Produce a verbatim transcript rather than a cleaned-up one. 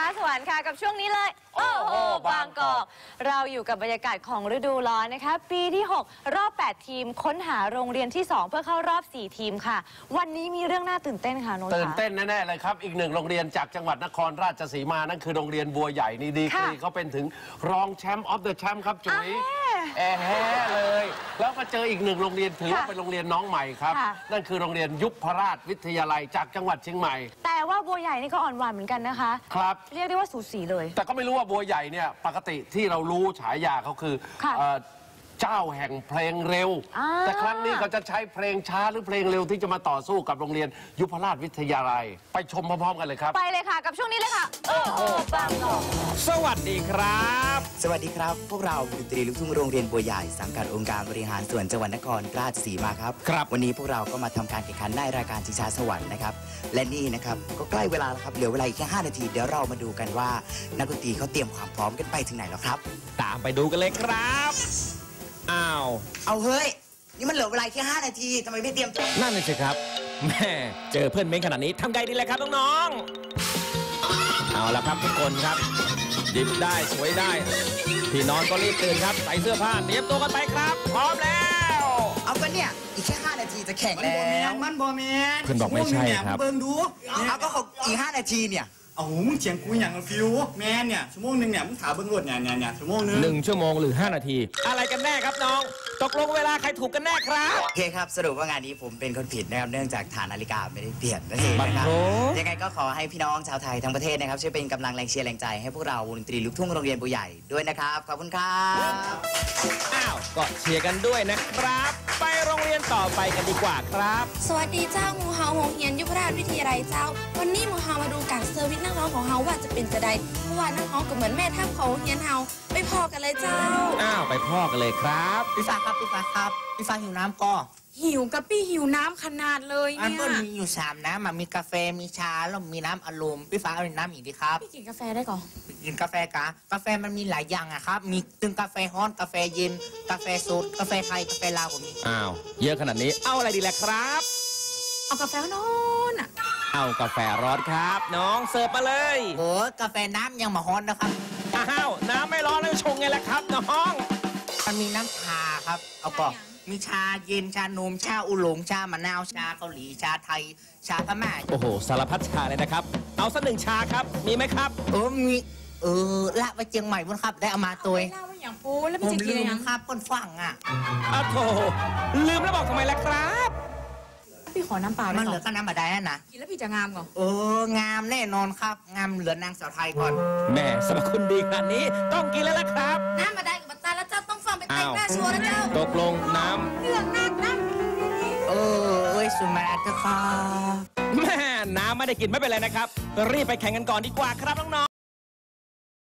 สวรรค์ค่ะกับช่วงนี้เลยโอ้โหบางกอกเราอยู่กับบรรยากาศของฤดูร้อนนะคะปีที่หกรอบแปดทีมค้นหาโรงเรียนที่สองเพื่อเข้ารอบสี่ทีมค่ะวันนี้มีเรื่องน่าตื่นเต้นค่ะโน้ตตื่นเต้นแน่ๆเลยครับอีกหนึ่งโรงเรียนจากจังหวัดนครราชสีมานั่นคือโรงเรียนบัวใหญ่นี่ดีกรีเขาเป็นถึงรองแชมป์ออฟเดอะแชมป์ครับจุ๋ยแอร์แฮ่เลยแล้วมาเจออีกหนึ่งโรงเรียนถือว่าเป็นโรงเรียนน้องใหม่ครับนั่นคือโรงเรียนยุพราชวิทยาลัยจากจังหวัดเชียงใหม่แต่ว่าบัวใหญ่นี่ก็อ่อนหวานเหมือนกันนะคะครับเรียกได้ว่าสูสีเลยแต่ก็ไม่รู้ว่าบัวใหญ่เนี่ยปกติที่เรารู้ฉายาเขาคือเจ้าแห่งเพลงเร็วแต่ครั้งนี้เขาจะใช้เพลงช้าหรือเพลงเร็วที่จะมาต่อสู้กับโรงเรียนยุพราชวิทยาลัยไปชมพร้อมๆกันเลยครับไปเลยค่ะกับช่วงนี้เลยค่ะโอ้โหบางกอกสวัสดีครับสวัสดีครับพวกเราดนตรีลูกทุ่งโรงเรียนบัวใหญ่สังกัดองค์การบริหารส่วนจังหวัดนครราชสีมาครับครับวันนี้พวกเราก็มาทำการแข่งขันในรายการชิงช้าสวรรค์นะครับและนี่นะครับก็ใกล้เวลาแล้วครับเหลือเวลาอีกแค่ห้านาทีเดี๋ยวเรามาดูกันว่านักดนตรีเขาเตรียมความพร้อมกันไปถึงไหนแล้วครับตามไปดูกันเลยครับอ้าวเอาเฮ้ยนี่มันเหลือเวลาแค่ห้านาทีทำไมไม่เตรียมตัวนั่นเลยสิครับแม่เจอเพื่อนเม้งขนาดนี้ทำไงดีเลยครับน้องๆเอาละครับทุกคนครับดิบได้สวยได้พี่นอนก็รีบตื่นครับใส่เสื้อผ้าเตรียมตัวกันไปครับพร้อมแล้วเอากันเนี่ยอีกแค่ห้านาทีจะแข่งแล้วมันบอแมนเพื่อนบอกไม่ใช่ครับเบิ่งดูเอาก็อีกห้านาทีเนี่ยโอ้โหมึงเฉียงกูอย่างฟิวแมนเนี่ยชั่วโมงหนึ่งเนี่ยมึงถามเบิ้งรถเนี่ยเนี่ยเนี่ยชั่วโมงนึงหนึ่งชั่วโมงหรือห้านาทีอะไรกันแน่ครับน้องตกลงเวลาใครถูกกันแน่ครับโอเคครับสรุปว่างานนี้ผมเป็นคนผิดนะครับเนื่องจากฐานนาฬิกาไม่ได้เปลี่ยนนั่นเองนะครับยังไงก็ขอให้พี่น้องชาวไทยทั้งประเทศนะครับช่วยเป็นกำลังแรงเชียร์แรงใจให้พวกเราวงดนตรีลูกทุ่งโรงเรียนบัวใหญ่ด้วยนะครับขอบคุณครับอ้าวก็เชียร์กันด้วยนะครับไปโรงเรียนต่อไปกันดีกว่าครับสวัสดีเจ้าหมูเฮาโรงเรียนยุพราชวิทยาลัยเจ้าวันนี้หมูเฮามาดูการเซอร์วิสนักร้องของเฮาว่าจะเป็นจะใดเพราะว่านักร้องก็เหมือนแม่ทัพของเฮียนเฮาไปพอกันเลยเจ้าอ้าวไปพ่อกันเลยครับพี่ฟ้าครับพี่ฟ้าครับพี่ฟ้าหิวน้ำก็หิวกับพี่หิวน้ำขนาดเลยเนี่ยอันก็มีอยู่สามน้ำมีกาแฟมีชาแล้วมีน้ำอารมณ์พี่ฟ้าเอาน้ำอีกดีครับพี่กินกาแฟได้ก่อนกินกาแฟกะกาแฟมันมีหลายอย่างอะครับมีตึงกาแฟฮ้อนกาแฟเย็นกาแฟสดกาแฟไทยกาแฟลาวผมอ้าวเยอะขนาดนี้เอาอะไรดีล่ะครับเอากาแฟนอนอ่ะเอากาแฟร้อนครับน้องเสิร์ฟมาเลยโอ้กาแฟน้ำยังมาฮ้อนนะครับอ้าวน้ำไม่ร้อนแล้วชงไงล่ะครับน้องมันมีน้ำชาครับเอาก่อนมีชาเย็นชานมชาอุหลงชามะนาวชาเกาหลีชาไทยชาพม่าโอ้โหสารพัดชาเลยนะครับเอาสักหนึ่งชาครับมีไหมครับเออมีเออละไปเชียงใหม่บนครับได้เอามาตัวเล่าว่าอย่างปูแล้วผมลืมครับคนฟังอ่ะอ้าวโถลืมแล้วบอกทำไมล่ะครับพี่ขอน้ำเปล่ามันเหลือก็น้ำมาได้นะกินแล้วพี่จะงามก่อนเอองามแน่นอนครับงามเหลือนางสาวไทยก่อนแม่สรรพคุณดีขนาดนี้ต้องกินแล้วล่ะครับน้ำมาได้กับบัตตาแล้วเจ้าต้องฟังไปแต่งหน้าชัวร์แล้วเจ้าตกลงน้ำเรื่องน้ำน้ำเออเอ้ยสุมาเถอะครับแม่น้ำไม่ได้กินไม่เป็นไรนะครับรีบไปแข่งกันก่อนดีกว่าครับน้